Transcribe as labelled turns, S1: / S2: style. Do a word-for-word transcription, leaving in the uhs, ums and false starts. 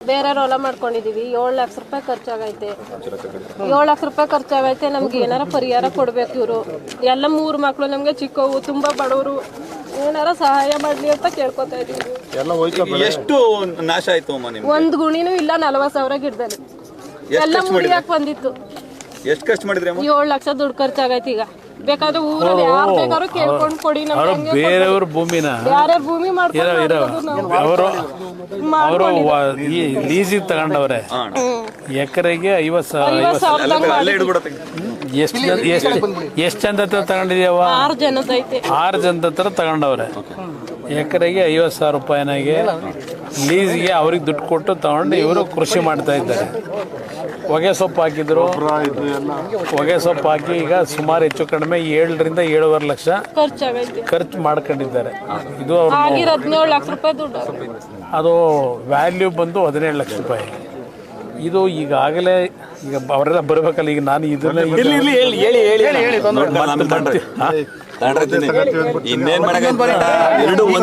S1: ಬೇರೆ ಹೊಲ ಮಾಡ್ಕೊಂಡಿದೀವಿ. ಏಳು ಲಕ್ಷ ರೂಪಾಯಿ ಖರ್ಚಾಗೈತೆ. ಏಳು ಲಕ್ಷ ರೂಪಾಯಿ ಖರ್ಚಾಗೈತೆ. ನಮ್ಗೆ ಏನಾರ ಪರಿಹಾರ ಕೊಡ್ಬೇಕು ಇವರು. ಎಲ್ಲ ಮೂರು ಮಕ್ಕಳು ನಮ್ಗೆ ಚಿಕ್ಕವು, ತುಂಬಾ ಬಡವರು. ಏನಾರ ಸಹಾಯ ಮಾಡ್ಲಿ ಅಂತ ಕೇಳ್ಕೊತಾ ಇದೀವಿ.
S2: ಎಷ್ಟು ನಾಶ ಆಯ್ತು ಅಮ್ಮ ನಿಮ್ಗೆ?
S1: ಒಂದ್ ಗುಣಿನೂ ಇಲ್ಲ. ನಲವತ್ತು ಸಾವಿರ ಗಿಡದಲ್ಲಿ ಎಲ್ಲ ಮುಡಿಯಾಕ್ ಬಂದಿತ್ತು.
S2: ಎಷ್ಟು ಖರ್ಚು ಮಾಡಿದ್ರಿ?
S1: ಏಳು ಲಕ್ಷ ದುಡ್ಡು ಖರ್ಚಾಗೈತಿ. ಈಗ ಬೇಕಾದ್ರೆ ಊರಲ್ಲಿ ಯಾರು ಬೇಕಾದ್ರೂ ಕೇಳ್ಕೊಂಡು ಕೊಡಿ.
S3: ಬೇರೆಯವ್ರ ಭೂಮಿನ
S1: ಯಾರ್ಯಾರು ಭೂಮಿ ಮಾಡ್ತಾರೆ
S3: ಅವರು ಅವರು ಲೀಸಿಗೆ ತಗೊಂಡವ್ರೆ. ಎಕರೆಗೆ ಐವತ್ತು ಸಾವಿರ. ಎಷ್ಟು ಎಷ್ಟು ಎಷ್ಟು ಜನದ ಹತ್ರ ತಗೊಂಡಿದ್ಯಾವ?
S1: ಆರು ಜನದ ಐತೆ.
S3: ಆರು ಜನದ ಹತ್ರ ತಗೊಂಡವ್ರೆ. ಎಕರೆಗೆ ಐವತ್ತು ಸಾವಿರ ರೂಪಾಯಿನಾಗೆ ಲೀಸ್ಗೆ ಅವ್ರಿಗೆ ದುಡ್ಡು ಕೊಟ್ಟು ತಗೊಂಡು ಇವರು ಕೃಷಿ ಮಾಡ್ತಾ ಇದ್ದಾರೆ. ಹೊಗೆ ಸೊಪ್ಪು ಹಾಕಿದ್ರು. ಹೊಗೆ ಸೊಪ್ಪು ಹಾಕಿ ಈಗ ಸುಮಾರು ಹೆಚ್ಚು ಕಡಿಮೆ ಏಳರಿಂದ ಏಳುವರೆ ಲಕ್ಷ ಖರ್ಚು ಮಾಡ್ಕೊಂಡಿದ್ದಾರೆ. ಇದು ಅವ್ರು
S1: ಹದಿನೇಳು ಲಕ್ಷ ರೂಪಾಯಿ ದುಡ್ಡು.
S3: ಅದು ವ್ಯಾಲ್ಯೂ ಬಂದು ಹದಿನೇಳು ಲಕ್ಷ ರೂಪಾಯಿ. ಇದು ಈಗಾಗಲೇ ಈಗ ಅವರೆಲ್ಲ ಬರಬೇಕಲ್ಲ. ಈಗ ನಾನು ಇದನ್ನ
S2: ಇನ್ನೇನ್ ಮಾಡಕ್ಕೆ